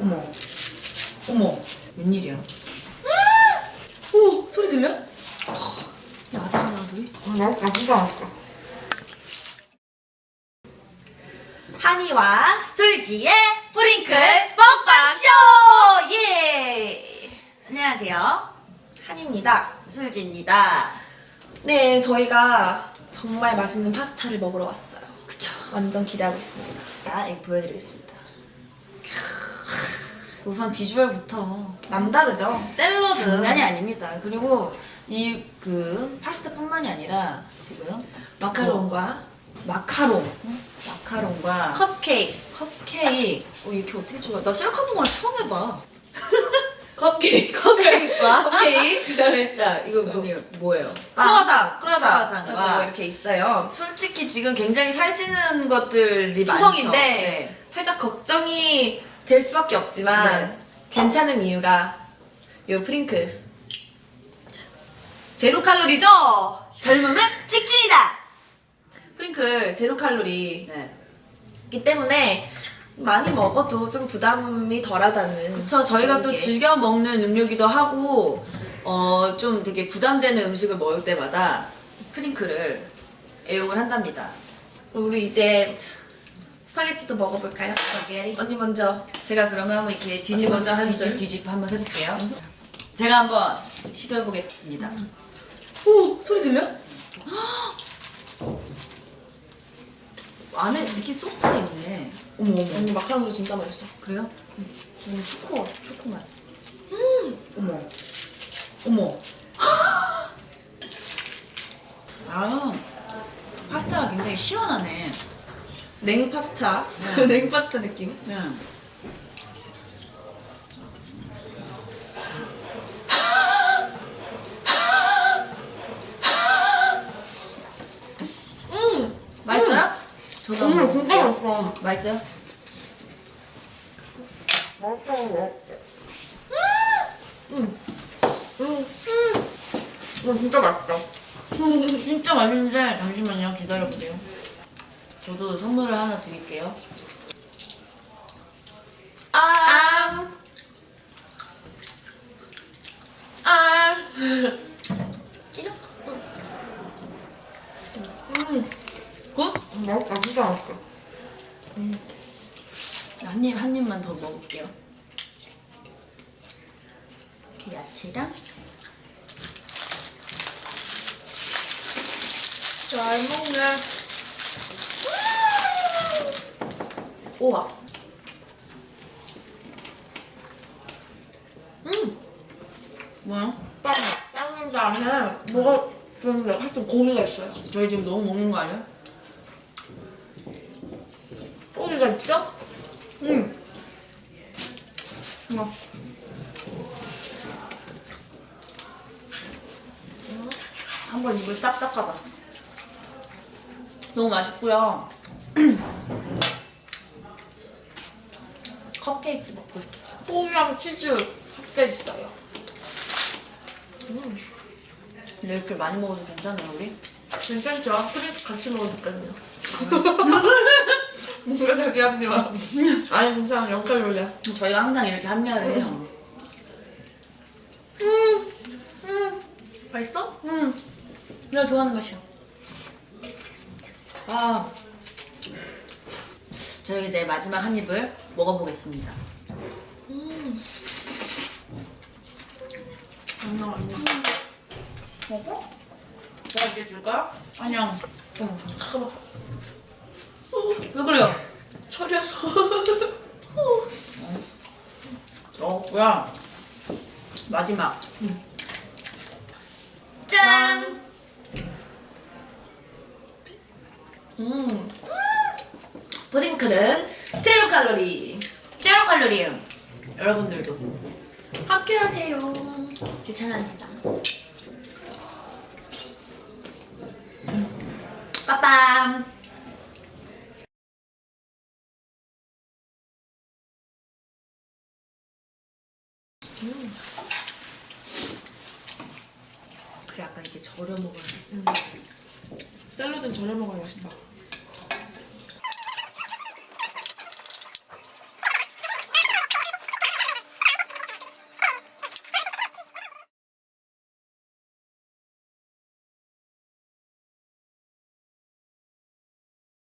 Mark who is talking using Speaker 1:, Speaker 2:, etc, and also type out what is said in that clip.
Speaker 1: 어머, 어머, 웬일이야? 오, 소리 들려? 야, 아삭아삭한 소리?
Speaker 2: 맛있다, 진짜 맛있다.
Speaker 1: 한이와 솔지의 프링클 먹방쇼! 예! 안녕하세요. 한이입니다. 솔지입니다.
Speaker 2: 네, 저희가 정말 맛있는 파스타를 먹으러 왔어요.
Speaker 1: 그쵸.
Speaker 2: 완전 기대하고 있습니다.
Speaker 1: 자, 이거 보여드리겠습니다. 우선 비주얼부터
Speaker 2: 남다르죠? 샐러드.
Speaker 1: 장난이 아닙니다. 그리고 이 파스타뿐만이 아니라 지금
Speaker 2: 마카롱과
Speaker 1: 마카롱과
Speaker 2: 컵케이크.
Speaker 1: 컵케이크. 이렇게 어떻게 좋아? 나 셀카봉을 처음 해봐.
Speaker 2: 컵케이크.
Speaker 1: 컵케이크와
Speaker 2: 컵케이크. 그다음에
Speaker 1: 자, 이거 뭐예요?
Speaker 2: 크루아상.
Speaker 1: 크루아상과
Speaker 2: 이렇게 있어요.
Speaker 1: 솔직히 지금 굉장히 살찌는 것들이
Speaker 2: 추성인데
Speaker 1: 많죠. 네.
Speaker 2: 살짝 걱정이 될 수밖에 없지만
Speaker 1: 네.
Speaker 2: 괜찮은 이유가 요 프링클. 제로 칼로리죠?
Speaker 1: 젊으면 직진이다.
Speaker 2: 프링클 제로 칼로리이기
Speaker 1: 네.
Speaker 2: 때문에 많이 먹어도 좀 부담이 덜하다는.
Speaker 1: 그쵸. 저희가 또
Speaker 2: 그런 게.
Speaker 1: 즐겨 먹는 음료기도 하고 좀 되게 부담되는 음식을 먹을 때마다 프링클을 애용을 한답니다.
Speaker 2: 우리 이제 스파게티도 먹어볼까요?
Speaker 1: 스파게티.
Speaker 2: 언니 먼저.
Speaker 1: 제가 그러면 한번 이렇게
Speaker 2: 먼저 한 술.
Speaker 1: 뒤집어 한번 해볼게요. 제가 한번 시도해보겠습니다.
Speaker 2: 오! 소리 들려?
Speaker 1: 안에 이렇게 소스가 있네. 어머 어머.
Speaker 2: 언니 마카롱도 진짜 맛있어.
Speaker 1: 그래요? 저는 초코 맛. 어머. 어머. 아, 파스타가 굉장히 시원하네.
Speaker 2: 냉 파스타.
Speaker 1: 네.
Speaker 2: 냉 파스타 느낌.
Speaker 1: 네. 맛있어요? 저도 한번
Speaker 2: 진짜
Speaker 1: 먹을게요.
Speaker 2: 맛있어.
Speaker 1: 맛있어요?
Speaker 2: 진짜 맛있어.
Speaker 1: 진짜 맛있는데 잠시만요. 기다려보세요. 저도 선물을 하나 드릴게요.
Speaker 2: 아. 아.
Speaker 1: 굿?
Speaker 2: 맛있다, 진짜 맛있어.
Speaker 1: 한 입만 더 먹을게요. 야채랑
Speaker 2: 잘 먹네. 우와.
Speaker 1: 뭐야?
Speaker 2: 빵 안에 뭐가 좀 살짝 고기가 있어요.
Speaker 1: 저희 지금 너무 먹는 거 아니야?
Speaker 2: 고기가 있죠?
Speaker 1: 우와. 한번 입을 싹 닦아봐. 너무 맛있고요. 컵케이크 먹고 싶다.
Speaker 2: 고기랑 치즈 합쳐 있어요.
Speaker 1: 근데 이렇게 많이 먹어도 괜찮아요, 우리?
Speaker 2: 괜찮죠? 프링크 같이 먹으니까요. 뭔가 자기 합리화. 아니 괜찮아, 0칼로리야.
Speaker 1: 저희가 항상 이렇게 합리화를 해요.
Speaker 2: 맛있어?
Speaker 1: 내가 좋아하는 맛이야. 아, 저희 이제 마지막 한 입을 먹어보겠습니다.
Speaker 2: 장난 아니야.
Speaker 1: 먹어? 내가 이제 줄까요? 아니야.
Speaker 2: 잠깐만.
Speaker 1: 왜 그래요?
Speaker 2: 철여서.
Speaker 1: 먹었고요. 마지막. 짠!
Speaker 2: 프링클은 제로 칼로리.
Speaker 1: 제로 칼로리예요. 여러분들도
Speaker 2: 함께하세요.
Speaker 1: 추천합니다. 빠밤! 그래, 약간 이렇게 절여 먹어야지.
Speaker 2: 샐러드는 저녁 먹어야 맛있다.